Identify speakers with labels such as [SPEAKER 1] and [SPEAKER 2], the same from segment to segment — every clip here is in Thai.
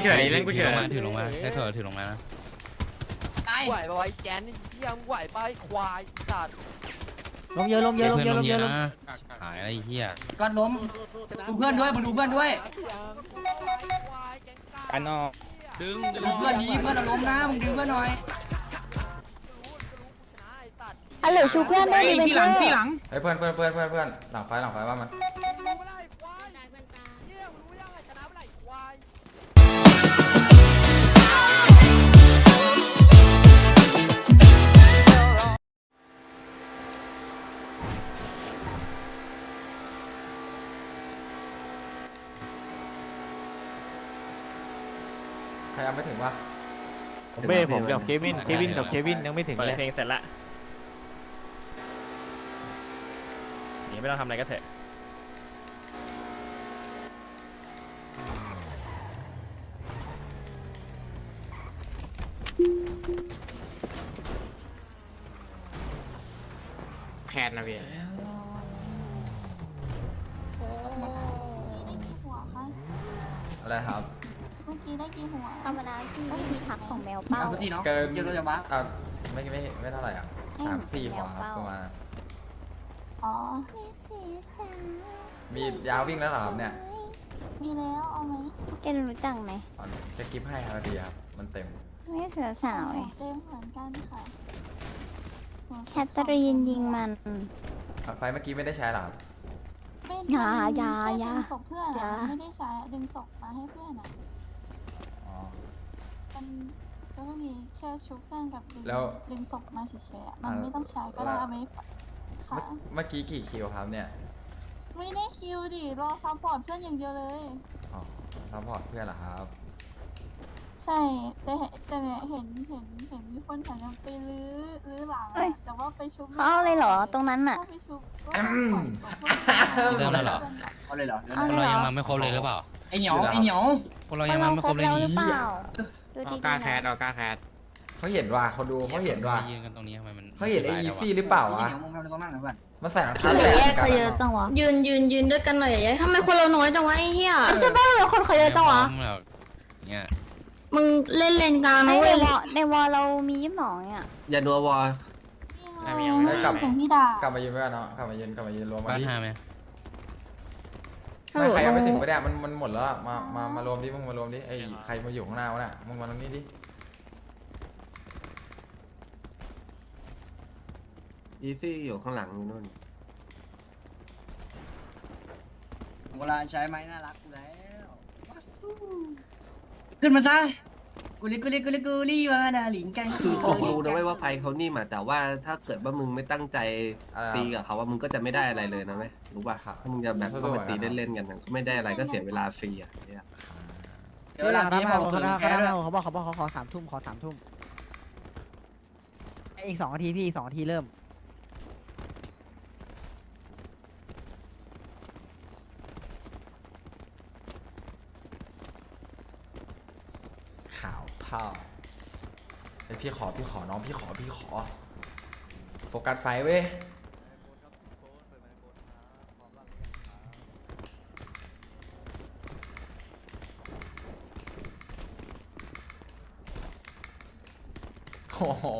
[SPEAKER 1] เฉยเล่นกูเฉย
[SPEAKER 2] ถือลงมาได้โซ่ถือลงมานะ
[SPEAKER 3] ไหวปะวะไอ้แกนนี่ยังไหวปะไอ้ควายสัตว์
[SPEAKER 4] ลมเยอะลมเยอะลมเยอะลมเยอะลม
[SPEAKER 2] นะหายอะไรเหี้ย
[SPEAKER 5] ก็ล้มดูเพื่อนด้วยมาดูเพื่อนด้วย
[SPEAKER 1] กันนอกดึง
[SPEAKER 5] ดูเพื่อนนี้เพื่อนล้มนะมึงดึงเพื่อนหน่อย
[SPEAKER 6] ฮัลโหลชูเพื่อนได้ดิเพื่อน
[SPEAKER 7] ไอ้เพื่อนหลังไฟว่ามันใครยังไม่ถึงวะ
[SPEAKER 8] ผมกับเควินกับเควินยังไม่ถึง
[SPEAKER 1] เปิด
[SPEAKER 8] เลย
[SPEAKER 1] เพลงเสร็จละนี่ไม่ต้องทำอะไรก็เถอะแคทนะพี่
[SPEAKER 7] อะไรครับ
[SPEAKER 6] เมื่อกี้ได้กี่หัวธรรมดาที่วิธีทักของแมวเป้า
[SPEAKER 5] พี่เนาะ
[SPEAKER 7] เกิน
[SPEAKER 5] เยอะจะบ้า
[SPEAKER 7] ไม่เท่าไหร่อ่ะ3-4หัวครับประมาณ
[SPEAKER 6] อ๋อ
[SPEAKER 7] มียาววิ่งแล้วเหรอครับเนี่ย
[SPEAKER 6] มีแล้วเอาไหมแกรู้จักไหม
[SPEAKER 7] จะกิฟให้ครับดีครับมันเต็ม
[SPEAKER 6] ไม่เสือสาวเต็มเหมือนกันค่ะแคทเธอรีนยิงมัน
[SPEAKER 7] ไฟเมื่อกี้ไม่ได้ใช้หรอ
[SPEAKER 6] อย่า
[SPEAKER 9] ศพเพื่อนไม่ได้ใช้ดึงศพมาให้เพื่อนอ่ะ
[SPEAKER 7] อ๋อ
[SPEAKER 9] มันก็มีแค่ชุบเพื่อนกับ
[SPEAKER 7] แล้ว
[SPEAKER 9] ดึงศพมาเฉยๆมันไม่ต้องใช้ก็ได้เอาไว้ค่ะ
[SPEAKER 7] เมื่อกี้กี่คิวครับเนี่ย
[SPEAKER 9] ไม่ได้คิวดิรอซัพพอร์ตเพื่อนอย่างเดียวเลย
[SPEAKER 7] อ๋อซัพพอร์ตเพื่อนเหรอครับ
[SPEAKER 9] ใช่แต่เนี่ยเห็นมีคนแถวนั้นไปลื้อหลังแต่ว่าไปชุบ
[SPEAKER 6] เขาเอาเลยเหรอตรงนั้นน่ะ
[SPEAKER 9] ไปชุบ
[SPEAKER 2] เริ่มแล้วเหรอ
[SPEAKER 5] เอาเลยเหรอ
[SPEAKER 6] เอา
[SPEAKER 2] พวก
[SPEAKER 6] เลย
[SPEAKER 2] เรา
[SPEAKER 6] เหร
[SPEAKER 2] ยัง
[SPEAKER 6] อ
[SPEAKER 2] มาไม่ครบเลยหรือเปล่า
[SPEAKER 5] ไอเหนียว
[SPEAKER 2] พวกเรายังมาไม่ครบเลย
[SPEAKER 6] หรือ
[SPEAKER 2] นี่
[SPEAKER 6] เปล่าดู
[SPEAKER 1] เอา
[SPEAKER 6] ดี
[SPEAKER 1] กล้า
[SPEAKER 6] ๆ
[SPEAKER 1] แคท
[SPEAKER 6] นะ
[SPEAKER 1] เอากล้าแคท
[SPEAKER 7] เขาเห็นว่าเขาดูเขาเห็นว่า
[SPEAKER 2] ยืนกันตรงนี้ทำไมมัน
[SPEAKER 7] เขาเห็นไอ้อีฟี่หรือเปล่าวะ
[SPEAKER 5] เหนียวมึงทำอะไรตรงนั้นหน่อยเพื่อน
[SPEAKER 7] มันใส่รองเท้า
[SPEAKER 6] เหลื
[SPEAKER 7] แตะ
[SPEAKER 6] อแยกเขาเยอะจังวะ
[SPEAKER 9] ยืนด้วยกันหน่อยยายทำไมคนเราน้อยจังวะไอ้เหี้ย
[SPEAKER 6] ใช่ป่ะเหลือคนเขาเยอะจังวะ
[SPEAKER 2] แบบเนี่ย
[SPEAKER 9] มึงเล่นเลนกลาง
[SPEAKER 6] ไม่
[SPEAKER 9] นะเว้ย
[SPEAKER 6] ในวอลเรามี22เนี่ย
[SPEAKER 5] อย่านัววอ
[SPEAKER 9] ของพี่ดาก
[SPEAKER 7] ลับมายืนไว้กันเนาะกลับมายืนรวมมา
[SPEAKER 2] บ้าน
[SPEAKER 7] ดิ
[SPEAKER 2] หาไหม
[SPEAKER 7] ไม่ใครยังไม่ถึงไปเนี่ยมันหมดแล้วอะมารวมดิมึงมารวมดิไอ้ใครมาอยู่ข้างหน้าวะน่ะมึงมาตรงนี้ดิ
[SPEAKER 5] อีซี่อยู่ข้างหลังนู่นเวลาใช้ไม้น่ารักกูแล้วขึ้นมาซะกูลิว่านาหลิงกันคือเขารู้นะว่าไฟเขานี่มาแต่ว่าถ้าเกิดว่ามึงไม่ตั้งใจตีกับเขาว่ามึงก็จะไม่ได้อะไรเลยนะไหมรู้ป่ะถ้ามึงจะแบบเข้าไปตีเล่นๆกันก็ไม่ได้อะไรก็เสียเวลาฟรีอ่ะเนี่ย
[SPEAKER 4] เดี๋ยวหลังรับมาเขาบอกเขาขอ3 ทุ่มอีก2 นาทีพี่2 นาทีเริ่ม
[SPEAKER 7] ข่าวเผาไอพี่ขอน้องพี่ขอโฟกัสไฟเว้ยโอ้โห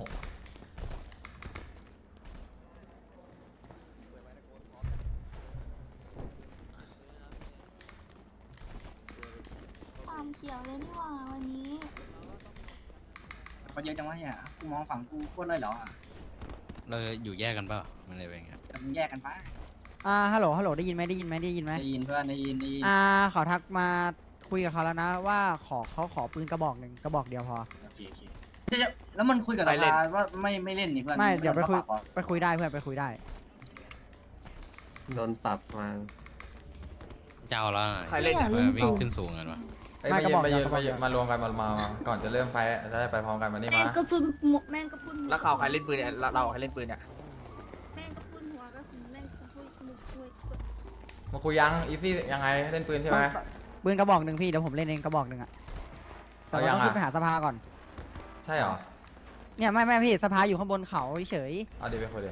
[SPEAKER 9] ความเขียวเลยนี่หว่าวันนี้
[SPEAKER 5] เขาเยอะจังวะเนี่ยกูมองฝั่งกูโคตรเลยเหรอ
[SPEAKER 2] เราอยู่แยกกันเปล่ามันเลยเป็นไง
[SPEAKER 5] แต่มึงแยกกันไป
[SPEAKER 4] ฮัลโหลได้ยินไหม
[SPEAKER 5] ได้ยินเพื่อนได้ยิน
[SPEAKER 4] ขอทักมาคุยกับเขาแล้วนะว่าเขาขอปืนกระบอกเดียวพอ
[SPEAKER 5] โอเคแล้วมันคุยกับเราว่าไม่เล่นนี่เพื่อน
[SPEAKER 4] ไม่เดี๋ยวไปคุยได้เพื่อนไปคุยได้
[SPEAKER 5] โดนปรับมา
[SPEAKER 2] เจ้าแล้ววิ่งขึ้นสูงกันวะ
[SPEAKER 7] มารวมกันมาก่อนจะเริ่มไฟจะได้ไปพร้อมกันมานี่มา
[SPEAKER 9] กระสุนแม่งกระปุน
[SPEAKER 1] แล้วเขาใครเล่นปืนเนี่ยเราใครเล่นปืนเนี่ย
[SPEAKER 9] แม่งกระปุนหัวกระสุนแม่งกระปุนมือช่วย
[SPEAKER 7] มาคุยยังอีฟี่ยังไงเล่นปืนใช่ไหม
[SPEAKER 4] ปืนกระบอกหนึ่งพี่เดี๋ยวผมเล่นเองกระบอกหนึ่งอะแต่ว่าต้องขึ้นไปหาสภาก่อน
[SPEAKER 7] ใช่เหรอ
[SPEAKER 4] เนี่ยไม่พี่สภาอยู่ข้างบนเขาเฉย
[SPEAKER 7] เอาดีไปคุยดิ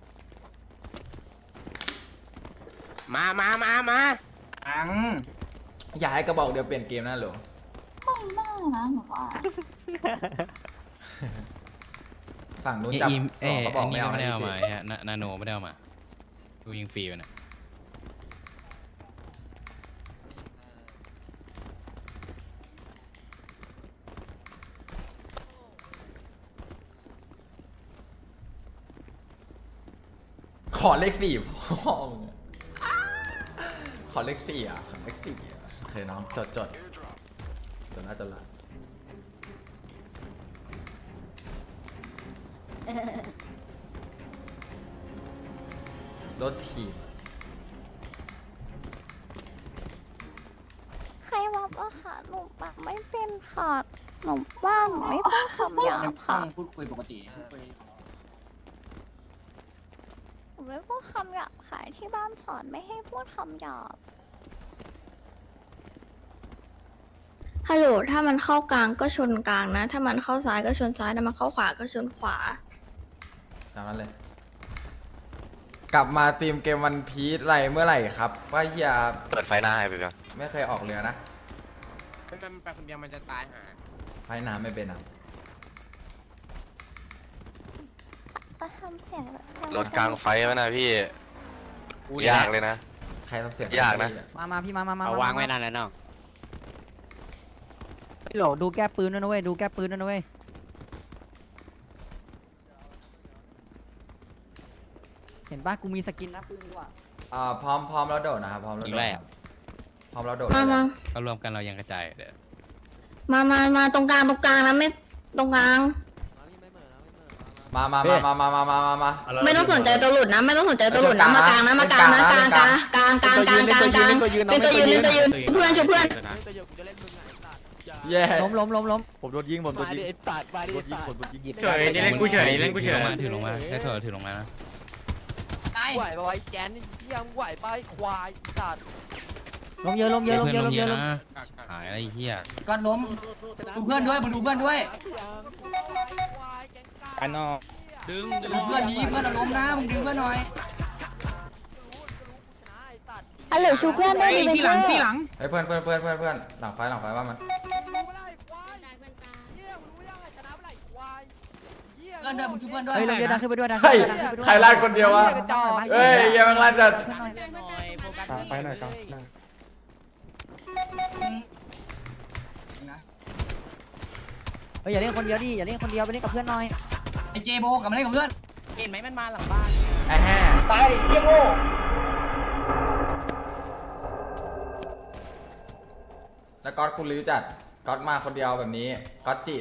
[SPEAKER 1] มา
[SPEAKER 5] อัง
[SPEAKER 7] อยากให้กระบอกเดียวเปลี่ยนเกมนะหรอ
[SPEAKER 9] ไม่น่านะหนูว่า
[SPEAKER 7] ฝั่งนู้น
[SPEAKER 2] เอ้ย
[SPEAKER 7] จับ
[SPEAKER 2] อีม
[SPEAKER 7] ส
[SPEAKER 2] เอ้
[SPEAKER 7] อง
[SPEAKER 2] ย
[SPEAKER 7] กระบอก
[SPEAKER 2] อัน
[SPEAKER 7] ไม่
[SPEAKER 2] นี้
[SPEAKER 7] เอา
[SPEAKER 2] ไม่ได้
[SPEAKER 7] นะ
[SPEAKER 2] เอามา
[SPEAKER 7] พี่
[SPEAKER 2] ฮะนาโนไม่ได้เอามากูยิงฟรีไปนะ
[SPEAKER 7] ขอเลขสี่พ่อมึงอะขอเลขสี่อ่ะขอเลขสี่อ่ะโอเคน้องจดจดละจดละรถถีบ
[SPEAKER 6] ใครว่าว่าค่ะหนูปากไม่เป็นค่ะหนูว่าหนูไม่พูดคำหยาบค่ะ
[SPEAKER 3] พูดคุยปกติพูดคุย
[SPEAKER 6] หนูไม่พูดคำหยาบค่ะที่บ้านสอนไม่ให้พูดคำหยาบ
[SPEAKER 10] ฮัลโหลถ้ามันเข้ากลางก็ชนกลางนะ ถ้ามันเข้าซ้ายก็ชนซ้าย ถ้ามันเข้าขวาก็ชนขวา
[SPEAKER 7] ตามนั้นเลย กลับมาทีมเกมวันพีชไรเมื่อไหร่ครับ ว่าเฮีย
[SPEAKER 11] เปิดไฟหน้าให้ไปก่อน
[SPEAKER 7] ไม่เคยออกเรือนะ
[SPEAKER 3] มันไปคนเดียวมันจะตายหา
[SPEAKER 7] พายน้ำไม่เป็นอ่ะ
[SPEAKER 6] ก็ทำเสียงแบบ
[SPEAKER 11] รถกลางไฟไว้นะพี่ ยากเลยนะ
[SPEAKER 7] ใครต้องเสียง
[SPEAKER 11] ยากนะ
[SPEAKER 4] มาพี่มา
[SPEAKER 1] เอาวางไว้นั่นแหละน้อง
[SPEAKER 4] พี่โหลดูแก้ปืนด้วยนะเว้ยดูแก้ปืนด้วยนะเว้ยเห็นปะกูมีสกินนะปืนดีกว่า
[SPEAKER 7] พร้อมแล้วโดดนะครับพร้อมแล้วโดดครับพร้อมแล้วโดด
[SPEAKER 10] มามา
[SPEAKER 2] ก็รวมกันเรายังกระจายเด้อ
[SPEAKER 10] มาตรงกลางนะไม่ตรงกลาง
[SPEAKER 7] มา
[SPEAKER 10] ไม่ต้องสนใจตัวหลุดนะ ไม่ต้องสนใจตัวหลุดนะ มากลางนะ มากลางนะกลางเป็นตัวยืนเพื่อนช่วยเพื่อน
[SPEAKER 7] เย่
[SPEAKER 4] ล้ม
[SPEAKER 8] ผมโดนยิงผมโดนยิง
[SPEAKER 3] ไอ้ตัดมาดิ
[SPEAKER 8] โดนยิงผมโดนยิง
[SPEAKER 1] เฉยนี่เล่นกูเฉยเล่นกูเฉย
[SPEAKER 2] ถือลงมาได้โซ่ถือลงมานะ
[SPEAKER 3] ไหวปะวะไอ้แจนนี่เหี้ยมึงไหวปะไอ้ควายตัด
[SPEAKER 4] ล้มเยอะ
[SPEAKER 2] นะหายอะไรเหี้ย
[SPEAKER 3] ก่อนล้มดูเพื่อนด้วยมึงดูเพื่อนด้วย
[SPEAKER 1] อันนอก
[SPEAKER 3] ดูเพื่อนนี้เพื่อนเราล้มนะมึงดึงเพื่อนหน่อย
[SPEAKER 6] ฮัลโหลชูเพื่อนได้ดีไหมเพื่อน
[SPEAKER 7] เฮ้ยเพื่อนหลังไฟว่ามัน
[SPEAKER 3] เพื่อนด้วยมึงดูเพื่อนด้วย
[SPEAKER 4] เฮ้ยเราเยอะดังขึ้นไปด้วยดัง
[SPEAKER 7] เฮ้ยใครลั่นคนเดียววะ เฮ้ยเยังลั่นจัด
[SPEAKER 1] ไปหน่อยครับ
[SPEAKER 4] เฮ้ยอย่าเล่นคนเดียวดิอย่าเล่นคนเดียวไปเล่นกับเพื่อนหน่อย
[SPEAKER 3] ไอ้เจโบกลับมาเล่นกับเพื่อน
[SPEAKER 1] เห็นไหมมันมาหลังบ้าน
[SPEAKER 7] ไอ้แห่
[SPEAKER 3] ตายดิเฮียโง่
[SPEAKER 7] แล้วก๊อตกูรู้จัดก๊อตมาคนเดียวแบบนี้ก๊อตจิ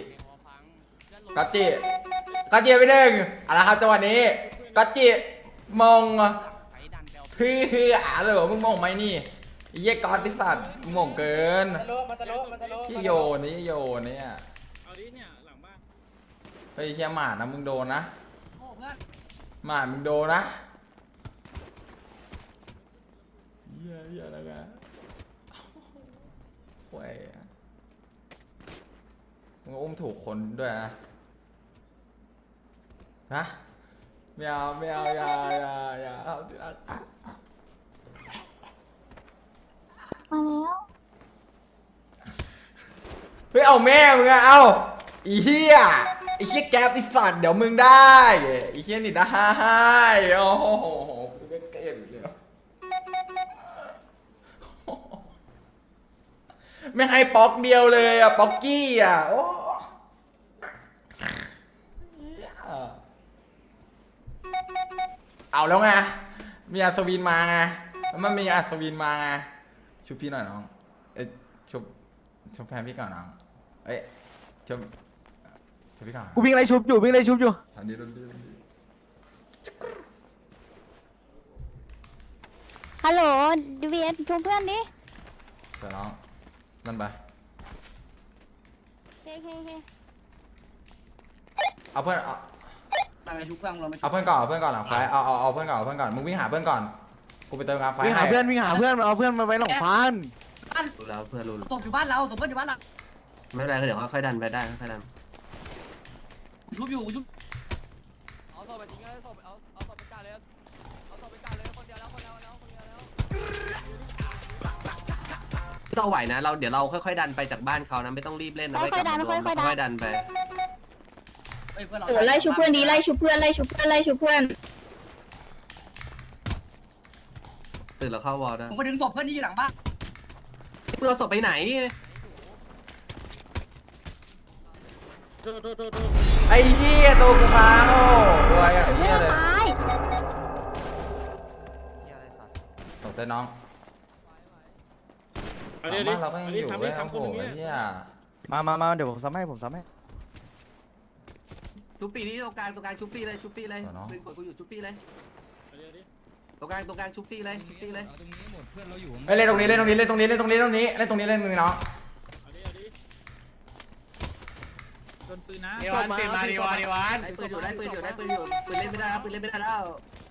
[SPEAKER 7] ไปหนึ่งเอาละครับจังหวะนี้ก๊อตจิมองพี่เหรอมึงมองไหมนี่ไอ้เหี้ยก๊อตที่สัตว์มึงมองเกินที่โยนี่เนี่ยเฮ้ยเชี่ยหมานะมึงโดนนะหมามึงโดนนะเหี้ยแล้วกันโว้ยมึงอุ้มถูกคนด้วยนะไม่เอาอย่าเอาที่รัก
[SPEAKER 9] มาแล้ว
[SPEAKER 7] เฮ้ยเอาแม่มึงอะเอาอีเหี้ยแก๊ปไอ้สัตว์เดี๋ยวมึงได้ไอ้เหี้ยนี่ได้โอ้โหไม่เกินเลยไม่ให้ป๊อกเดียวเลยอะป๊อกกี้อะโอ้เอาแล้วไงมีอัศวินมาไงมันมีอัศวินมาไงชุบพี่หน่อยน้องชุบแฟนพี่ก่อนน้องชุบพี่ก่อน
[SPEAKER 8] กูวิ่งไล่ชุบอยู่
[SPEAKER 7] ทำดี
[SPEAKER 6] ฮัลโหลดีเวียนชูเพื่อนดิ
[SPEAKER 7] เดี๋ยวน้องนั่นไป
[SPEAKER 6] เค
[SPEAKER 7] เอาเพื่อน
[SPEAKER 3] มาชุบเพื่อนเราไม่ชุบ
[SPEAKER 7] เอาเพื่อนก่อนหลังไฟเอาเพื่อนก่อนมึงวิ่งหาเพื่อนก่อนกูไปเติมกลางไฟ
[SPEAKER 8] วิ่งหาเพื่อนมันเอาเพื่อนมาไว้หลังฟาน
[SPEAKER 5] รู้แล้วเพื่อนรู้
[SPEAKER 3] ตบอยู่บ้านเราตบเพื่อนอยู่บ้านเรา
[SPEAKER 5] ไม่เป็นไรเดี๋ยวค่อยดันไปได้ค่อยดัน
[SPEAKER 3] ชุบอยู่ชุบเอาศพไปทิ้งเลยเอาศพไปจ่าเลยคนเดียวแล้ว
[SPEAKER 5] เราไหวนะเราเดี๋ยวเราค่อยๆดันไปจากบ้านเขานะไม่ต้องรีบเล่นนะ
[SPEAKER 6] ค่อยๆดันค่อยๆดัน
[SPEAKER 5] ค่อยๆดันไป
[SPEAKER 10] โอ้ไล่ชุบเพื่อนดีไล่ชุบเพื่อนไล่ชุบเพื่อนไล่ชุบเพื่อน
[SPEAKER 5] ตื่นแล้วเข้าวอลได้
[SPEAKER 3] ผมไปดึงศพเพื่อนที่อยู่หลังบ้าน
[SPEAKER 5] มึงเอาศพไปไหน
[SPEAKER 7] ไอ้เหี้ยตัวกูพังโอ้ตัวอย่างเหี้ยเลย
[SPEAKER 6] ตาย
[SPEAKER 7] สงสัยน้องบ้านเราก็ยังอยู่เว้ยโอ้โหไอ้เหี้ย
[SPEAKER 8] มาเดี๋ยวผมซ้ำให้
[SPEAKER 5] ชุบปีนี้ตรงกลางชุบปีเลยปืนกดกูอยู่ชุบปีเลยตรงกลางชุบปีเลย
[SPEAKER 7] เฮ้ยเล่นตรงนี้เล่นตรงนี้เล่นตรงนี้เล่นตรงนี้เล่นตรงนี้เล่นตรงนี้เล่นมึงเนาะ
[SPEAKER 1] ดีวันตื่นมาดีวัน
[SPEAKER 5] ได้ปืนอยู่ปืนเล่นไม่ได้แล้วปืนเล่นไม่ได้แล้ว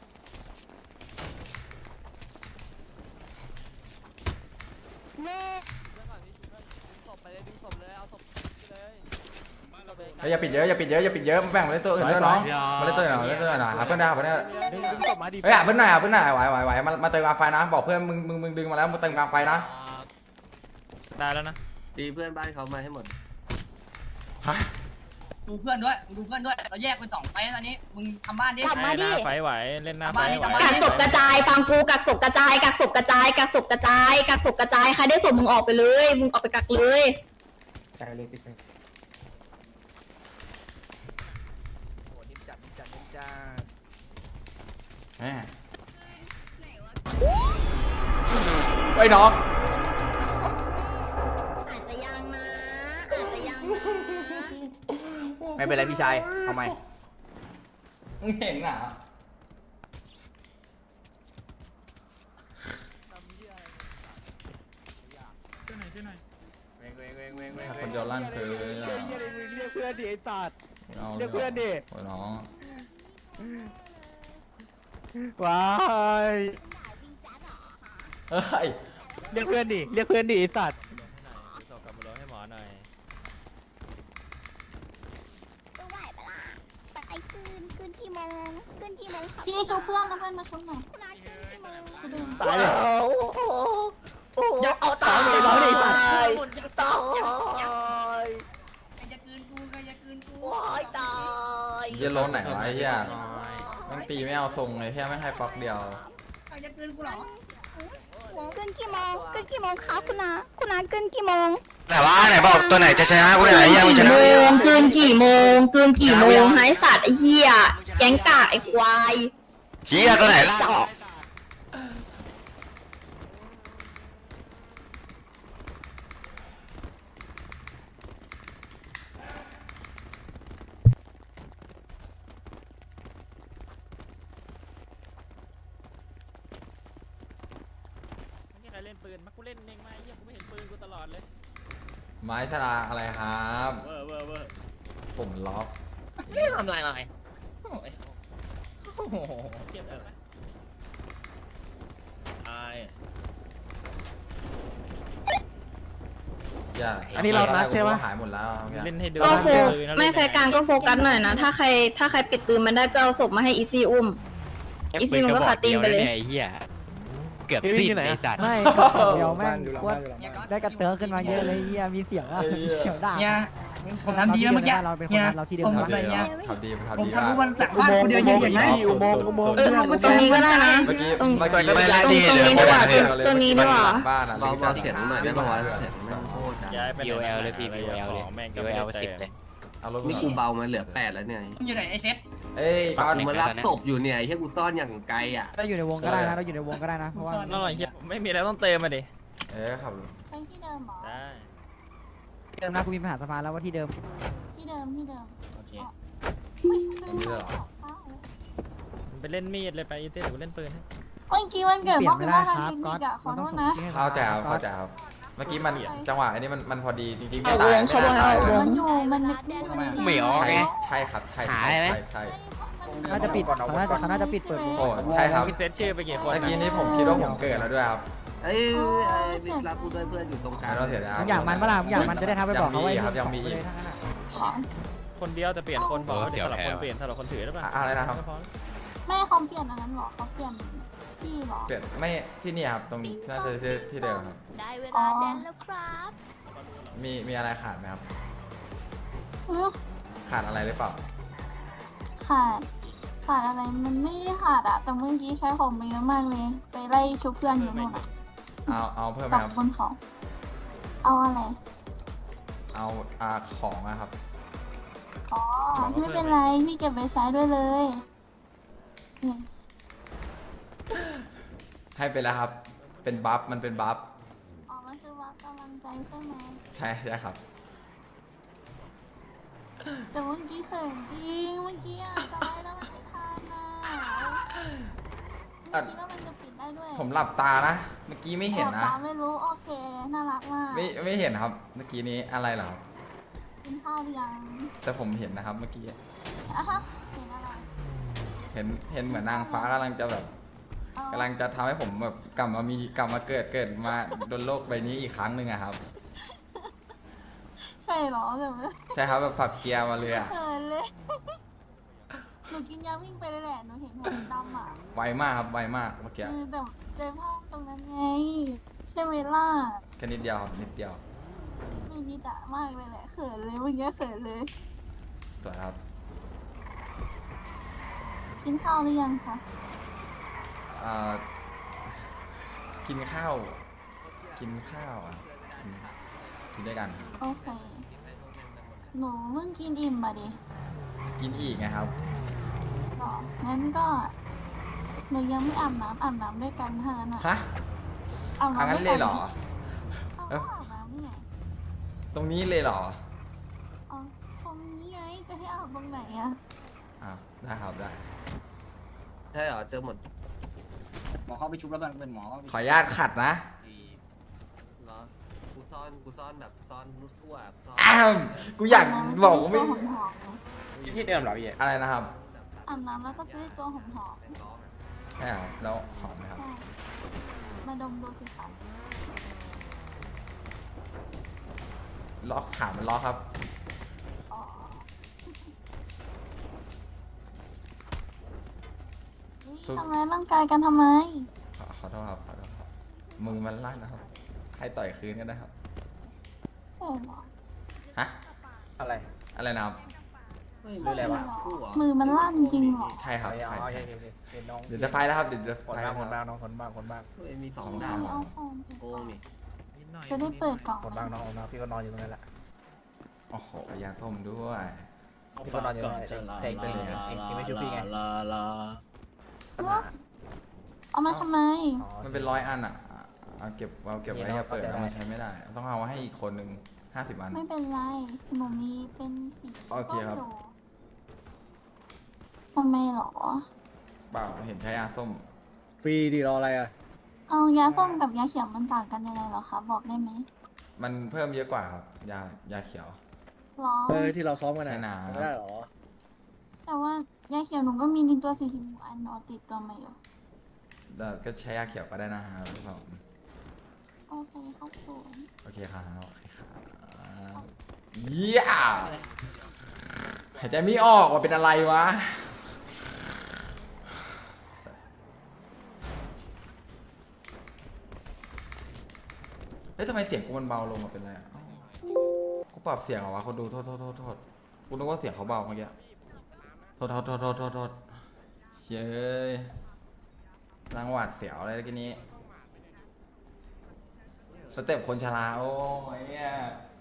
[SPEAKER 7] เฮ้ยอย่าปิดเยอะอย่าปิดเยอะมาแบ่งมาเล่นตัวอื่นด้วยน้องมาเล่นตัวอื่นหน่อยหาเพื่อนได้หาเพื่อนได้เฮ้ยหาเพื่อนหน่อยไหวมาเติมกลางไฟนะบอกเพื่อนมึงดึงมาแล้วมาเติมกลางไฟนะ
[SPEAKER 2] ได้แล้วนะ
[SPEAKER 5] ตีเพื่อนบ้านเขามาให้หมด
[SPEAKER 7] ฮะ
[SPEAKER 3] ดูเพื่อนด้วยเราแยกเป็น2ไปตอนนี้มึงทำบ้านดิ
[SPEAKER 6] กลับมาดิ
[SPEAKER 2] ไฟไหวเล่นหน้าไฟไหว
[SPEAKER 10] กักศพกระจายฟังกูกักศพกระจายกักศพกระจายกักศพกระจายกักศพกระจายใครได้ศพมึงออกไปเลยมึงออกไปกักเลย
[SPEAKER 7] แม่ไอ้น้อง
[SPEAKER 10] อาจจะยังนะอาจจะยังนะ
[SPEAKER 1] ไม่เป็นไรพี่ชายทำไม
[SPEAKER 7] มึงเห็นอ่ะคนเดียวลั่นคือ
[SPEAKER 8] เรียกเพื่อนดิไอ้สัตว์
[SPEAKER 7] เรียกเพื่อนดิน้อง
[SPEAKER 8] ว้าย
[SPEAKER 7] เฮ้ย
[SPEAKER 8] เรียกเพื่อนดิไอ้สัตว์
[SPEAKER 2] ส่งกลับมาลงให้หมอหน่อย
[SPEAKER 6] ตัวไหวปะล่ะแต่ไอ้คืนกี่โมงครับ
[SPEAKER 9] พี่ชุบเพื่อนนะเพื่อนมาชุบหน่อย
[SPEAKER 6] คุณอาคืนกี่โมง
[SPEAKER 8] ตายแล้ว
[SPEAKER 4] อย่าเอาตายเลยไอ้สัตว์
[SPEAKER 3] ใครจะคืนกู
[SPEAKER 7] เหี้ยโล้นไหนวะไอ้เหี้ยแม่งตีไม่เอาทรงเลยแค่ไม่ให้ป๊อกเดียว
[SPEAKER 3] ใครจะคืนกูเหรอ
[SPEAKER 6] คืนกี่โมงครับคุณอาคืนกี่โมง
[SPEAKER 11] ไหนวะไหนบอกตัวไหนจะชนะกูไหนยังไม่ชนะ
[SPEAKER 10] เกินกี่โมงหายสัตว์ไอ้เหี้ยแก๊งกากไอ้ควาย
[SPEAKER 11] เฮียตัวไหนล่ะ
[SPEAKER 10] จอก
[SPEAKER 2] ไม่มีใครเล่นปืนมากูเล่นเองไหมเหี้ยกูไม่เห็นปืนกูตลอดเลย
[SPEAKER 7] ไม้ชลาอะไรครับ
[SPEAKER 2] เวอร์
[SPEAKER 7] ผมล็อก
[SPEAKER 1] ไม่ทำอะไรเลย
[SPEAKER 2] เก็บเถอะตาย
[SPEAKER 8] อันนี้เรานัดใช่ปะ
[SPEAKER 7] หายหมดแล้ว
[SPEAKER 2] เล่นให้ดู
[SPEAKER 10] ก็โฟไม่แฟร์การก็โฟกัสหน่อยนะถ้าใครปิดปืนมันได้ก็เอาศพมาให้อีซี่อุ้มอีซี่มันก็ขาตีนไปเลย
[SPEAKER 1] ไอ้เหี้ยเกือบสิ้นไอ้สัตว์
[SPEAKER 4] ไม่เดี๋ยวแม่งว่าได้กระเตื้อขึ้นมาเยอะเลยเฮียมีเสียงอะมีเสียงด่า
[SPEAKER 3] เนี่ยผมทำดีแล้วเมื่อกี้
[SPEAKER 4] เราเป็นคนเราที่เดิม
[SPEAKER 3] ผม
[SPEAKER 4] นะ
[SPEAKER 3] ทำอะไรเนี่ย
[SPEAKER 7] ทำดี
[SPEAKER 3] ผม
[SPEAKER 7] ดี
[SPEAKER 3] ทำทุกวันหลังบ้านคนเดียวยืนอย่างนี้
[SPEAKER 8] อุโมงค์
[SPEAKER 10] ตรงนี้ก็ได้นะ
[SPEAKER 7] เมื่อกี้
[SPEAKER 10] ตรง
[SPEAKER 7] เมื่อกี้
[SPEAKER 11] ไม่เล่นดี
[SPEAKER 10] ตรง
[SPEAKER 11] เดี๋ยว
[SPEAKER 10] นี้ดีกว่า
[SPEAKER 11] เดี๋ยว
[SPEAKER 10] ตรงนี้ดีกว่า
[SPEAKER 7] บ้านอ่ะ
[SPEAKER 5] เบาเสียงหน่อยได้ป่าวะเสียงแม่งโคตร
[SPEAKER 2] ย้ายไป
[SPEAKER 1] BOL เลยพี่ BOL เลย
[SPEAKER 2] แม่งก็
[SPEAKER 1] BOL 10เลย
[SPEAKER 7] เอารถ
[SPEAKER 5] นี่กูเบามาเหลือ8แล้วเนี่ย
[SPEAKER 3] อยู่ไหนไอ้เซ็ต
[SPEAKER 7] เอ้ยก้อน
[SPEAKER 5] กูมารับศพอยู่เนี่ยให้กูซ่อนอย่างไกลอ่ะ
[SPEAKER 4] เราอยู่ในวงก็ได้นะเราอยู่ในวงก็ได้นะเพราะว่า
[SPEAKER 2] นั่นหน่อยเหี้ยไม่มีอะไรต้องเติมมาดิ
[SPEAKER 7] ขับ
[SPEAKER 9] ไปที่เดิมเหรอ
[SPEAKER 2] ได้
[SPEAKER 4] ที่เดิมนะกูมีปัญหาสภาแล้วว่าที่เดิม
[SPEAKER 9] ที่เดิม
[SPEAKER 2] โอเค
[SPEAKER 9] ไม่
[SPEAKER 7] อันนี้เลยเหรอ
[SPEAKER 2] ไปเล่นมีดเลยไปอีเต้เดี๋ยวกูเล่นปืนให้
[SPEAKER 9] เมื่อกี้วันเกิด
[SPEAKER 4] เปลี่ย
[SPEAKER 9] มาน
[SPEAKER 4] ไม่
[SPEAKER 9] เป็น
[SPEAKER 4] ได้
[SPEAKER 9] ว่า
[SPEAKER 4] ค
[SPEAKER 9] ทาง
[SPEAKER 4] รับ
[SPEAKER 9] เทค
[SPEAKER 4] ก๊
[SPEAKER 9] นิ
[SPEAKER 4] อต
[SPEAKER 9] คอะขอ
[SPEAKER 4] มัน
[SPEAKER 9] โท
[SPEAKER 4] ต้อง
[SPEAKER 9] ษ
[SPEAKER 4] ส่ง
[SPEAKER 9] นะ
[SPEAKER 4] ชื่อให้
[SPEAKER 7] เข้าใจครับ
[SPEAKER 4] ก๊อ
[SPEAKER 7] เข้า
[SPEAKER 4] ต
[SPEAKER 7] ใจครับเมื่อกี้มันจังหวะอันนี้มันพอดีจริงๆ
[SPEAKER 10] เอาวงเขาบอกให้เอาวง
[SPEAKER 9] มันอยู่มันนึก
[SPEAKER 1] เหมียวไง
[SPEAKER 7] ใช่ครับใช่
[SPEAKER 1] หายไหม
[SPEAKER 7] ใช่
[SPEAKER 4] น่าจะปิดเขาน่าจะปิดเปิดวง
[SPEAKER 7] โอ้ใช่ครับ
[SPEAKER 2] พี่เซตชื่อไปกี่คน
[SPEAKER 7] เมื่อกี้นี้ผมคิดว่าผมเกิดแล้วด้วยครับ
[SPEAKER 5] เอ้ยบิ๊กรับกูด้วยเพื่อนอยู่ตรงกลาง
[SPEAKER 7] เราเสียดาย
[SPEAKER 4] มึงอยากมันเปะล่ามึงอยากมันจะได้ทำไปบอกเขาไว้
[SPEAKER 7] ยังมีอีก
[SPEAKER 2] คนเดียวแต่เปลี่ยนคนบอกว่าเดี๋ยวสลับคนเปลี่ยนสลับคนถือได้ป่ะ
[SPEAKER 7] อะไรนะครับ
[SPEAKER 9] ไม่เขาเปลี่ยนอันนั้นหรอเขาเปลี่ยนที่เหรอ
[SPEAKER 7] เปลี่ยนไม่ที่นี่ครับตรงน่าจะที่เดิมครับ
[SPEAKER 6] ได้เวลาแดนแล้วครับ
[SPEAKER 7] มีอะไรขาดไหมครับ
[SPEAKER 9] อื้อ
[SPEAKER 7] ขาดอะไรหรือเปล่า
[SPEAKER 9] ขาดอะไรมันไม่ได้ขาดอะแต่เมื่อกี้ใช้ของไปเยอะมากเลย ไปไล่ชุบเพื่อนอยู่นู่นอะ
[SPEAKER 7] เอาเพิ่มไหม
[SPEAKER 9] กับ
[SPEAKER 7] ครับ
[SPEAKER 9] บนเขาเอาอะไร
[SPEAKER 7] เอาของอะครับ
[SPEAKER 9] อ๋อไม่เป็นไรพี่เก็บไปใช้ด้วยเลยนี่
[SPEAKER 7] ให้ไปแล้วครับ เป็นบัฟมันเป็นบัฟ
[SPEAKER 9] อ๋อมันคือวัดกำลังใจใช่ไหม
[SPEAKER 7] ใช่ครับ
[SPEAKER 9] แต่เมื่อกี้เขินจริงเมื่อกี้อะจอยแล้วมันไม่ทันอะเมื่อกี้ว่ามันจะปิดได้ด้วย
[SPEAKER 7] ผมหลับตานะ เมื่อกี้ไม่เห็นนะ
[SPEAKER 9] ตาไม่รู้โอเคน่ารักมาก
[SPEAKER 7] ไม่เห็นครับ เมื่อกี้นี้อะไรเหรอครับ
[SPEAKER 9] กินข้าวหรือยัง
[SPEAKER 7] แต่ผมเห็นนะครับเมื่อกี้
[SPEAKER 9] อ่ะฮะเห็นอะไร
[SPEAKER 7] เห็นเหมือนนางฟ้ากำลังจะแบบ
[SPEAKER 9] อ๋อ
[SPEAKER 7] กำลังจะทำให้ผมแบบกลับมาเกิดมาบนโลกใบนี้อีกครั้งหนึ่งอะครับ
[SPEAKER 9] ใช่เหรอแต่ไม่
[SPEAKER 7] ใช่ครับแบบฝักเกียร์มาเลยอะ
[SPEAKER 9] เขินเลยหนูกินยาวิ่งไปเลยแหละหนูเห็นหัวดำอ่ะ
[SPEAKER 7] ไวมากครับไวมากเมื่อกี้
[SPEAKER 9] แต่ใจพลาดตรงนั้นไงใช่ไหมล่ะ
[SPEAKER 7] แค่นิดเดียวครับนิดเดียว
[SPEAKER 9] ไม่นิดอะมากเลยแหละเขินเลยเมื่อกี้เขินเลย
[SPEAKER 7] สวยครับ
[SPEAKER 9] กินข้าวหรือยังคะ
[SPEAKER 7] กินข้าวอ่ะกินด้วยกัน
[SPEAKER 9] โอเคหนูเพิ่งกินอิ่มมาดิ
[SPEAKER 7] กินอีกไงครับ
[SPEAKER 9] หรองั้นก็หนูยังไม่อาบน้ำด้วยกันเท่านั้นอะ
[SPEAKER 7] ฮะ
[SPEAKER 9] อาบ
[SPEAKER 7] เอา
[SPEAKER 9] น้ำ
[SPEAKER 7] งั้
[SPEAKER 9] ด้
[SPEAKER 7] น
[SPEAKER 9] วย
[SPEAKER 7] เลยเหรอ
[SPEAKER 9] เอาก็อาบน้ำนี่ไง
[SPEAKER 7] ตรงนี้เลยเหรอ
[SPEAKER 9] อ๋อตรงนี้ไงจะให้อาบตรงไหนอะ
[SPEAKER 7] ได้ครับได้
[SPEAKER 5] ใช่เหรอเจอหมด
[SPEAKER 1] หมอเข้าไปชุบแล้วเป็นหมอ
[SPEAKER 7] ขออนุญาตขัดนะ
[SPEAKER 5] เหรอกูซ่อนแบบซ่อนทั่วซ่อน
[SPEAKER 7] อ้าวกูอยากบอกว่าไม่
[SPEAKER 9] ตัวหอมๆ
[SPEAKER 1] ที่เดิมเหรอพี่
[SPEAKER 7] อะไรนะครับ
[SPEAKER 9] อาบน้ำแล้วก็จะได้ตัวหอม
[SPEAKER 5] เป็นล้อไง
[SPEAKER 7] ใช่ครับแล้วหอมไหมครับ
[SPEAKER 9] ๆใช่มาดมดูสิคะ
[SPEAKER 7] ล็อกขามันล็อกครับ
[SPEAKER 9] อ๋อนี่
[SPEAKER 7] สู้
[SPEAKER 9] ทำร้ายร่างกายกันทำไม
[SPEAKER 7] ขอโทษครับขอโทษครับมือมันลั่นนะครับ ให้ต่อยคืนก็ได้ครับ
[SPEAKER 9] ใช่เหรอ
[SPEAKER 7] ฮะ
[SPEAKER 1] อะไร
[SPEAKER 7] อะไรนะครับ
[SPEAKER 5] เฮ้ย
[SPEAKER 9] ใช่เหรอ
[SPEAKER 5] คู่เหรอ
[SPEAKER 9] มือมันลั่นจริงเหรอ
[SPEAKER 7] ใช่ครับใช่
[SPEAKER 1] โอเค
[SPEAKER 7] ใช่
[SPEAKER 1] เห็นน้อง
[SPEAKER 7] เดี๋ยวจะไฟแล้วครับเดี๋ยวจะ
[SPEAKER 1] คน
[SPEAKER 7] ไฟ
[SPEAKER 1] บ้า
[SPEAKER 7] แล้ว
[SPEAKER 1] ง
[SPEAKER 7] ครับ
[SPEAKER 1] น้องคนบ้าง
[SPEAKER 5] เฮ้ยมีสอง
[SPEAKER 7] ของ
[SPEAKER 5] ดาว
[SPEAKER 7] เรา
[SPEAKER 9] เอาของไป
[SPEAKER 5] โกงนี่
[SPEAKER 9] จะได้เปิดกล่อง
[SPEAKER 1] คนบ้างน้องพี่ก็นอนอยู่ตรงนั้นแหละ
[SPEAKER 7] โอ้โหยาส้มด้วย
[SPEAKER 1] พี่ก็นอนอยู่ตรงนั้นเด็กเป็นเองไม่ช่วยพี่ไง
[SPEAKER 9] เอามาทำไม
[SPEAKER 7] มันเป็น100 อันอ่ะเอาเก็บไว้อย่าเปิดแล้วมันใช้ไม่ได้ ต้องเอาให้อีกคนหนึ่ง50 อัน
[SPEAKER 9] ไม่เป็นไรหนูมีเป็นสี
[SPEAKER 7] โอเคครับ
[SPEAKER 9] ส้มอยู่ทำไมเหรอ
[SPEAKER 7] เปล่าเห็นใช้ยาส้ม
[SPEAKER 1] ฟรีดีรออะไรอ่ะ
[SPEAKER 9] เอายาส้มกับยาเขียวมันต่างกันยังไงเหรอคะบอกได้ไหม
[SPEAKER 7] มันเพิ่มเยอะกว่าครับยาเขียว
[SPEAKER 9] หรอ
[SPEAKER 1] ที่เราซ้อมกัน
[SPEAKER 7] ใช่นะ
[SPEAKER 1] ไม่ได้หรอ
[SPEAKER 9] แต่ว่ายาเขียวหนูก็มีในตัว40อันเนาะติดตัวมาอยู่
[SPEAKER 7] แต่ก็ใช้ยาเขียวก็ได้นะครับพี่ผม
[SPEAKER 9] โอเคครับผม
[SPEAKER 7] โอเคครับเยี่ยหายใจไม่ออกว่าเป็นอะไรวะเฮ้ยทำไมเสียงกูมันเบาลงมาเป็นไรอ่ะอ้าวกูปรับเสียงเหรอวะคนดูโทษกูนึกว่าเสียงเขาเบาเมื่อกี้โทษเชยรังหวัดเสียวอะไรเมื่อกี้นี้สเต็ปคนชราโอ้ยเนี่ย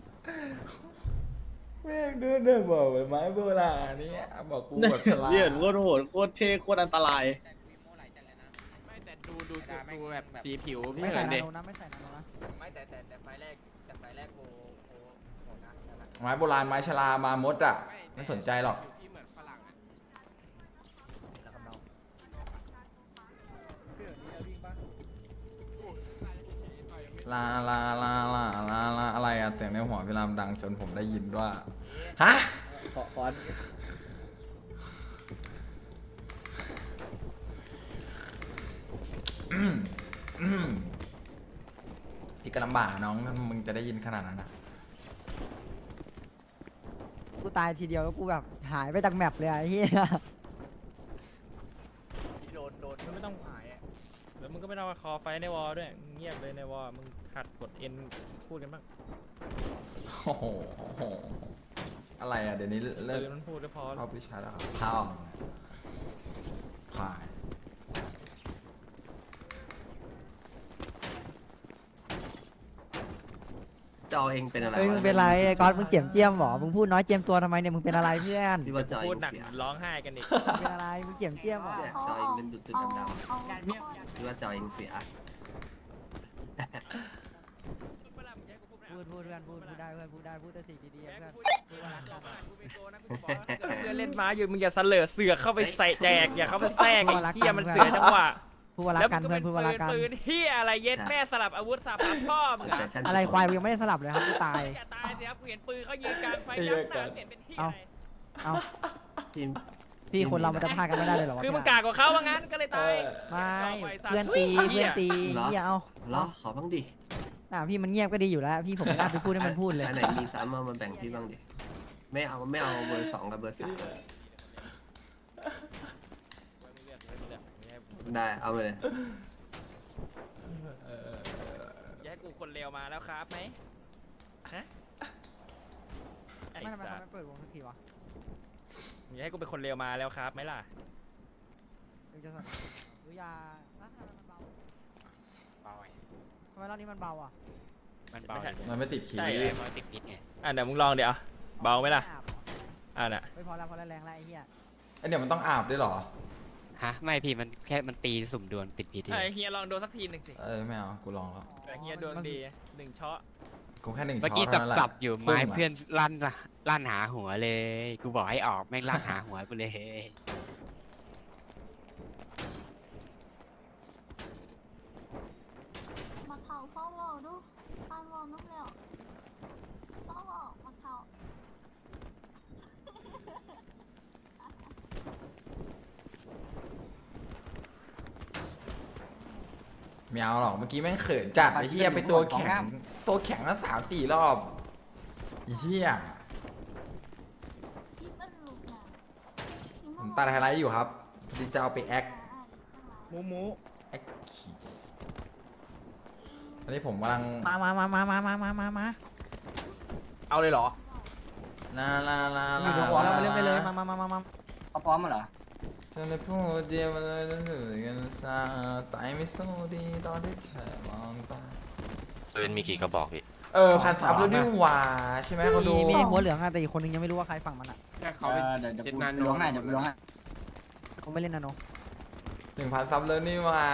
[SPEAKER 7] แม่งเดินบอกเหมือนไม้โบราณเนี่ยบอกกูแบบชรา
[SPEAKER 1] เหี้ยโคตรโหดโคตรเท่โคตรอันตราย
[SPEAKER 3] ไม่แต่ดูแบบสีผิวพี่
[SPEAKER 4] ไม่
[SPEAKER 3] เหิ
[SPEAKER 4] ใส่
[SPEAKER 3] น
[SPEAKER 4] นา
[SPEAKER 3] ดิ
[SPEAKER 4] โนนะไม่ใส่นาโนนะ
[SPEAKER 3] ไม่แต่ไฟแรกโหนะ
[SPEAKER 7] ไม้โบราณไม้ชรามามดอ่ะไม่สนใจหรอก
[SPEAKER 3] พี่เหมือนฝรั่งนะ
[SPEAKER 7] ลาอะไรอะเสียงในหัวพี่รามดังจนผมได้ยินว่าฮะ
[SPEAKER 1] ขอ
[SPEAKER 7] พี่ก็ลำบากน้องถ้ามึงจะได้ยินขนาดนั้นนะ
[SPEAKER 4] กูตายทีเดียวแล้วกูแบบหายไปจากแมปเลยอะไอ้เหี้ย
[SPEAKER 1] โดนไม่ต้องหายอ่ะ
[SPEAKER 2] แล้วมึงก็ไม่ต้องมาคอไฟในวอลด้วยเงียบเลยในวอลมึงหัดกดเอ็นพูดกันบ้าง
[SPEAKER 7] โอ้โหอะไรอ่ะเดี๋ยวนี้เลิก
[SPEAKER 2] มันพูดแล้วพอ
[SPEAKER 7] เข้าพิชาแล้วครับเข้าผ่าน
[SPEAKER 5] จอเองเป็นอะไร
[SPEAKER 4] เฮ้ยมึงเป็นไรไอ้ก๊อตมึงเจียมเจียมหรอมึงพูดน้อยเจียมตัวทำไมเนี่ยมึงเป็นอะไรเพื่อน
[SPEAKER 5] พี่ว่าจอเอ
[SPEAKER 2] พูด
[SPEAKER 5] ง
[SPEAKER 2] หนัก
[SPEAKER 5] เสีย
[SPEAKER 2] ร้องไห้กันอีก
[SPEAKER 4] มึงเป็นอะไรมึงเจียมเจียมหรอ
[SPEAKER 5] เนี่ยจอเองเป็นจุดๆดำๆพี่ว่าจอเองเสีย
[SPEAKER 4] พูดเพื่อนพูดได้เพื่อนพูดได้พูดแต่สิ่งดีๆเพื่อน
[SPEAKER 2] เพื่อนเล่นม้าอยู่มึงอย่าเสลอเสือกเข้าไปใส่แจกอย่าเข้าไปแทรกไอ้เหี้ยมันเสือจังหวะ
[SPEAKER 4] พูดว่ารักกันเพื่อนพูดว่ารักกัน
[SPEAKER 2] ปืนเหี้ยอะไรเย็ดแม่สลับอาวุธสับพ่อมึงอะ
[SPEAKER 4] อะไรควายมึงยังไม่ได้สลับเลยครับกูตาย
[SPEAKER 2] อย่าตายสิครับกูเห็นปืนเขายืนกลางไฟยักหน้าเห็นเป็นเหี้ยอะไร
[SPEAKER 4] เอา
[SPEAKER 5] ทีม
[SPEAKER 4] พี่คนเรามันจะพลาดกันไม่ได้เลยเหรอวะ
[SPEAKER 2] คือมึงกากกว่าเขาว่างั้นก็เลยตาย
[SPEAKER 4] ไม่เพื่อนตีเพื่อนตีอย่าเอา
[SPEAKER 5] เหรอขอบ้างดิ
[SPEAKER 4] พี่มันเงียบก็ดีอยู่แล้วพี่ผมไม่น่าไปพูดให้มันพูดเลย
[SPEAKER 5] อันไหนมีซ้ำมาแบ่งพี่บ้างดิไม่เอาเบอร์ 2กับเบอร์ 3ได้เอาไปเลย
[SPEAKER 2] อย่าให้กูคนเลวมาแล้วครับไหมฮะไอ้
[SPEAKER 4] ไม่ทำไม
[SPEAKER 2] สั
[SPEAKER 4] เขา
[SPEAKER 2] ส
[SPEAKER 4] ไม่เปิดวงสักทีวะ
[SPEAKER 2] อย่าให้กูเป็นคนเลวมาแล้วครับไหมล่ะ
[SPEAKER 4] มึงจะสั่งหรือยาทำไมมันเบาทำไมรอบนี้มันเบาอ่ะ
[SPEAKER 2] มันเบา
[SPEAKER 7] มันไม่ติดขี
[SPEAKER 2] ใช่
[SPEAKER 7] ด
[SPEAKER 2] มันติดพิษไงเดี๋ยวมึงลองเดี๋ยวเบาไหมล่ะน่ะ
[SPEAKER 4] ไม่พอแล้วพอแล้วแรงแล้วไอ้เหี้ย
[SPEAKER 7] ไอเดี๋ยวมันต้องอาบด้วยเหรอ
[SPEAKER 12] ฮะไม่พี่มันแค่มันตีสุ่มดวลติดพิษ
[SPEAKER 2] เฮียลองโดนสักทีหนึ่งสิ
[SPEAKER 7] ไม่เอากูลองแล้ว
[SPEAKER 2] เฮียโดนดีหนึ่งช็อต
[SPEAKER 7] กูแค่หนึ่ง
[SPEAKER 12] เมื่อ
[SPEAKER 7] ช็อ
[SPEAKER 12] กี้
[SPEAKER 7] ตเท่านั้นแหละ
[SPEAKER 12] สับอยู่ไม้เพื่อนลั่นหาหัวเลย กูบอกให้ออกแม่งลั่นหาหัวกูเลย
[SPEAKER 9] มาเข่าเฝ้าเราดูข้างวอน้ำแล้วเฝ้าเรามาเข่า
[SPEAKER 7] ไม่เอาหรอกเมื่อกี้แม่งเขินจัดไอ้เหี้ยไปตัวแข็งแล้ว3-4 รอบไอ้เหี้ย
[SPEAKER 9] พี่มันหลุดอ่ะ
[SPEAKER 7] ผมตัดไฮไลท์อยู่ครับพอดีจะเอาไปแอค
[SPEAKER 2] มู
[SPEAKER 7] แอคขี่อันนี้ผมกำลัง
[SPEAKER 4] มา
[SPEAKER 1] เอาเลยเหรอ
[SPEAKER 7] ลาลาลา
[SPEAKER 4] อยู่บนหัวเราไปเล่นไปเลยมา
[SPEAKER 3] เขาพร้อมมาเหรอ
[SPEAKER 7] ฉันได้พูดเดียวมาเลยแล้วเหนื่อยกันซาใจไม่สู้ดีตอนที่เธอมองตา
[SPEAKER 11] ปืนมีกี่กระบอกพี่
[SPEAKER 7] 1,000 ซับแล้วนี่หว่าใช่ไหมเขาดู
[SPEAKER 4] มีหัวเหลืองอะแต่อีกคนนึงยังไม่รู้ว่าใครฝั่งมันอะ
[SPEAKER 3] เดี๋ยวกูล้วงให้
[SPEAKER 4] เขาไม่เล่นนะโน
[SPEAKER 7] 1,000 ซับแล้วนี่หว่า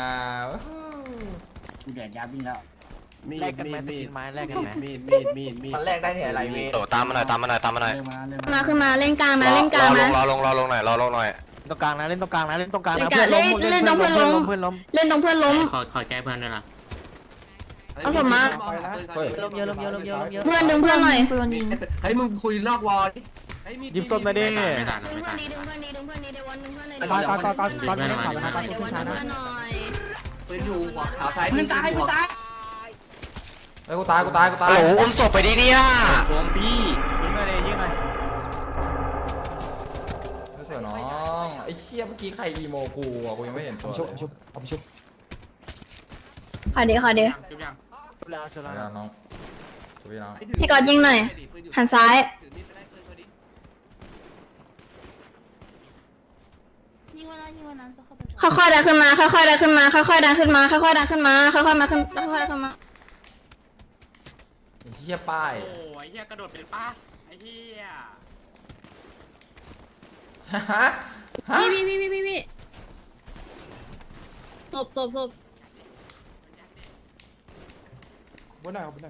[SPEAKER 3] กูแดดยาวิ่งแล้ว
[SPEAKER 5] มีด
[SPEAKER 8] แลกกันไหมสกินไม้แลกกันไหม
[SPEAKER 5] มีด
[SPEAKER 1] มันแรกได้เนี่ยอะไรเว้ย
[SPEAKER 11] โตตามมาหน่อย
[SPEAKER 10] มาขึ้นมาเล่นกลางนะเล่นกลางนะ
[SPEAKER 11] รอลงหน่อย
[SPEAKER 8] ตรงกลางนะเล่นตรงกลางนะเล่นตรงกลางนะ
[SPEAKER 10] เล่นตรงเพื่อนล้ม
[SPEAKER 8] เพื่อนล้ม
[SPEAKER 10] เล่นตรงเพื่อนล้ม
[SPEAKER 12] ขอแก้เพื่อนด้วยล่ะ
[SPEAKER 10] เอาสมมา
[SPEAKER 4] ลมเยอะ
[SPEAKER 10] เพื่อนดึงเพื่อนหน่อย
[SPEAKER 5] เฮ้ยมึงคุยนอกวอลดิ
[SPEAKER 8] หยิบส้มมาดิ
[SPEAKER 12] ไม่ทัน
[SPEAKER 10] ดึงเพื่อนดีดึงเพื่อนดีดึงเพื่อนดีเดวันดึงเพื่อนเลย
[SPEAKER 4] ก่อนเล่นข่าวนะก่อน
[SPEAKER 10] เด
[SPEAKER 4] ขึ้
[SPEAKER 10] วัน
[SPEAKER 4] นช้า
[SPEAKER 10] ดึง
[SPEAKER 4] นะ
[SPEAKER 10] เพื่อนหน่อย
[SPEAKER 5] ปืนอยู่หัวขาวซ้าย
[SPEAKER 3] ปืนตาย
[SPEAKER 7] กูตายโอ้โห
[SPEAKER 11] อุ้มศพไปดิเนี่ย
[SPEAKER 8] ยิงหน่อยดิยิงหน่อย
[SPEAKER 7] เสือน้องไอ้เชี่ยเมื่อกี้ใครอีโมกูอ่ะกูยังไม่เห็นตัวเลย
[SPEAKER 8] เอาไปชุบ
[SPEAKER 10] ขอเดี๋ยว
[SPEAKER 8] ชุบแล้ว
[SPEAKER 7] น้องช่วยน้อง
[SPEAKER 10] พี่กอดยิงหน่อยหันซ้ายค่อยๆดันขึ้นมาค่อยๆดันขึ้นมาค่อยๆดันขึ้นมาค่อยๆดันขึ้นมาค่อยๆมาขึ้นค่อยๆดันขึ้นมา
[SPEAKER 7] ไอ้เหี้ยป้าย
[SPEAKER 12] โอ้ยเฮียกระโดดเป็นป้าไอ้เฮีย
[SPEAKER 7] ฮะ
[SPEAKER 10] พี่ศพ
[SPEAKER 1] บนไหนบนไหน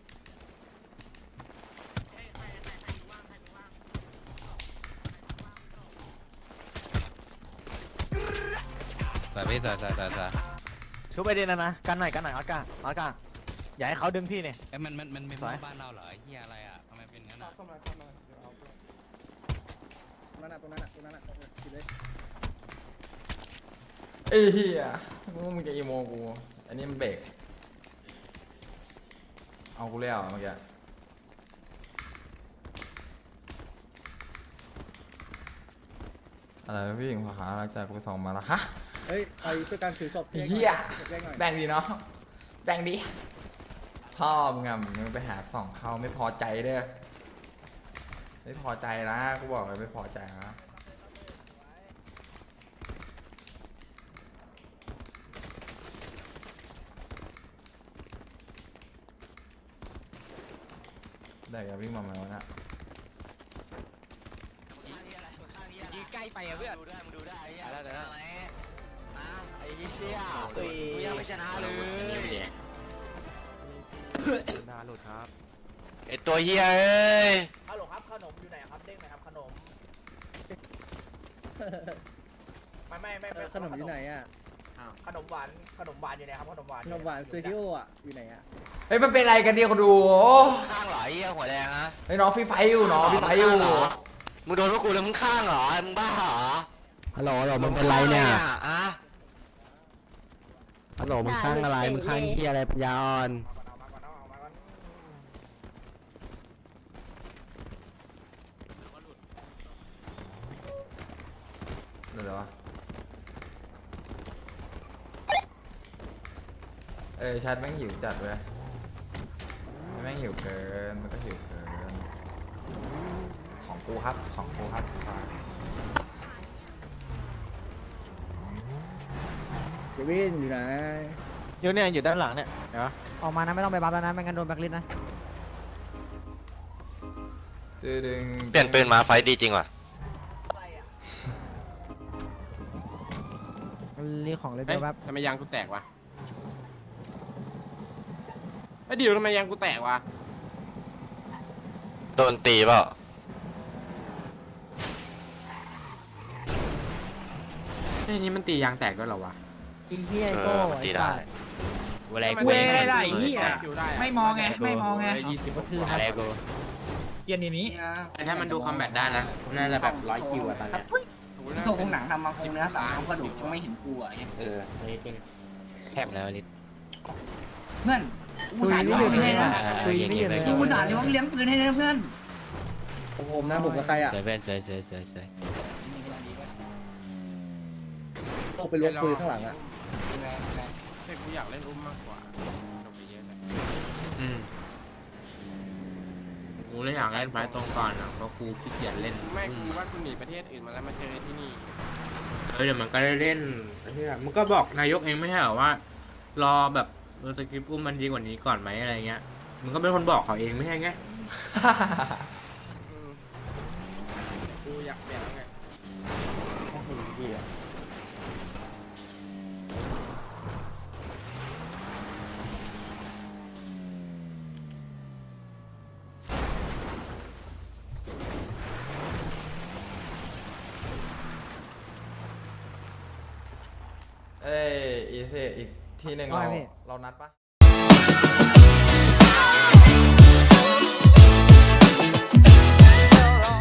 [SPEAKER 11] ใส่พี่ใส่
[SPEAKER 8] ชุบไปดินะกันหน่อยออสการ์อย่าให้เขาดึงพี่เนี่ย
[SPEAKER 12] มันไม่บ้านเราเหรอเฮียอะไรอ่ะทำไมเป็นงั้นอ่ะ
[SPEAKER 1] เข้ามาเดี๋ยวเอาตรงนั้นกินเลย
[SPEAKER 7] ไอ้เหี้ยมึงจะอีโมกูอันนี้มันเบรกเอากูแล้วเมื่อกี้อะไรพี่หญิงขอหาหลังจากกูไปส่องมาแล้วฮะ
[SPEAKER 1] เฮ้ยใครช่วยกันถือศพ
[SPEAKER 7] เฮีย
[SPEAKER 1] แจ้งหน่อย
[SPEAKER 7] แบ่งดีเนาะแบ่งดีพ่อมึงอะมึงไปหาส่องเขาไม่พอใจเด้อไม่พอใจนะกูบอกเลยไม่พอใจนะได้อย่าวิ่งมาไหมวะนะ
[SPEAKER 12] ยืนใกล้ไปอะเพื่อน
[SPEAKER 11] ดูได้มึงดูได้ไอ้เหี้ย
[SPEAKER 3] ได้ได้
[SPEAKER 11] ชนะไหมนะไอ้เหี้ยกูยังไม่ชนะเลย
[SPEAKER 8] นาหลุดครับ
[SPEAKER 11] ไอ้ตัวเหี้ยเอ้ย
[SPEAKER 2] ฮัลโหลครับขนมอยู่ไหนครับเด้งไหนครับขนมไม่
[SPEAKER 1] ขนมอยู่ไหนอ่ะ
[SPEAKER 2] ขนมหวานอยู่ไหนครับขนมหวาน
[SPEAKER 1] ขนมหวานเซอร์กิโออ่ะอยู่ไหนอ่ะ
[SPEAKER 7] เฮ้ยมันเป็นไรกันเดียวคนดูโอ้
[SPEAKER 11] ข้างเหรอไอ้เหี้ยหัวแดงฮะ
[SPEAKER 7] เฮ้ยน้องฟรีไฟอยู่น้องฟรีไฟอยู่
[SPEAKER 11] มึงโดนพวกกูแล้วมึงข้างเหรอมึงบ้าเหรอ
[SPEAKER 8] ฮัลโหลมึงเป็นไรเนี่ย
[SPEAKER 11] อะ
[SPEAKER 8] ฮัลโหลมึงข้างอะไรมึงข้างที่อะไรปัญญาอ่อน
[SPEAKER 7] เดี๋ยววะชัดแม่งหิวจัดเว้ยแม่งหิวเกินมันก็หิวเกินของกูครับของกูครับ
[SPEAKER 1] เจวินอยู่ไหน
[SPEAKER 8] อยู่เนี่ยอยู่ด้านหลังเนี่ยเห็นปะ
[SPEAKER 4] ออกมานะไม่ต้องไปบัฟแล้วนะไม่งั้นโดนแบล็คลิสต์นะ
[SPEAKER 7] ดึง
[SPEAKER 11] เปลี่ยนปืนมาไฟดีจริงว่ะ
[SPEAKER 4] รีของเลยเบลแป๊บ
[SPEAKER 3] ทำไมยางกูแตกวะไอ้ดิวทำไมยางกูแตกวะ
[SPEAKER 11] โดนตีเปล่า
[SPEAKER 12] นี่มันตียางแตกด้วยเหรอวะ
[SPEAKER 4] อีเหี้ยไอ้โก้
[SPEAKER 11] มันตี
[SPEAKER 4] ไอ้
[SPEAKER 11] ได้
[SPEAKER 4] สัตว์
[SPEAKER 12] อะไร
[SPEAKER 3] ทำ
[SPEAKER 12] กู
[SPEAKER 3] ไมแตก
[SPEAKER 12] อะไร
[SPEAKER 3] เหี้ยอยู่ได้ะ
[SPEAKER 2] ไม่มองไงไม่มองไง
[SPEAKER 3] 20
[SPEAKER 4] ก็คือ
[SPEAKER 12] อะไรกู
[SPEAKER 2] เกียร์นี้
[SPEAKER 12] แต่ถ้ามันดูคอมแบทได้นะน่าจะแบบ100 คิวอะตอนเนี้ย
[SPEAKER 3] โชว์ของหนังทำมาคงเนื้อสามกระดูกยังไม่เห็นกูอ่ะ
[SPEAKER 12] อันนี้เป็นแคบแล้วลิศ
[SPEAKER 3] เพื่อน
[SPEAKER 4] ซุยนี่อยู่ไหนอะซุยนี่อยู่ไหน
[SPEAKER 3] กูสาเลี้ยงปืนให้นะเพื่อน
[SPEAKER 1] ผมนะผมกับใครอ่ะ
[SPEAKER 12] สวยเพื่อนสวย
[SPEAKER 1] โอ้ไปล้วงปืนข้างหลังอ่ะ
[SPEAKER 3] แต่กูอยากเล่นอุ้มมากกว่าจบไปเยอะเลย
[SPEAKER 12] กูเลยอยากเล่นไฟตรงก่อนเพราะกูขี้เกียจเล่น
[SPEAKER 3] ไม่กูว่ากูหนีประเทศอื่นมาแล้วมาเจอที่นี่
[SPEAKER 12] เดี๋ยวมันก็ได้เล่นมันก็บอกนายกเองไม่ใช่เหรอว่ารอแบบสคริปต์อุ้มมันดีกว่านี้ก่อนไหมอะไรเงี้ยมันก็เป็นคนบอกเขาเองไม่ใช่ไง
[SPEAKER 3] กูอยากเปลี่ยนแล้วไง
[SPEAKER 7] อีกที่หนึ่งเรานัดปะ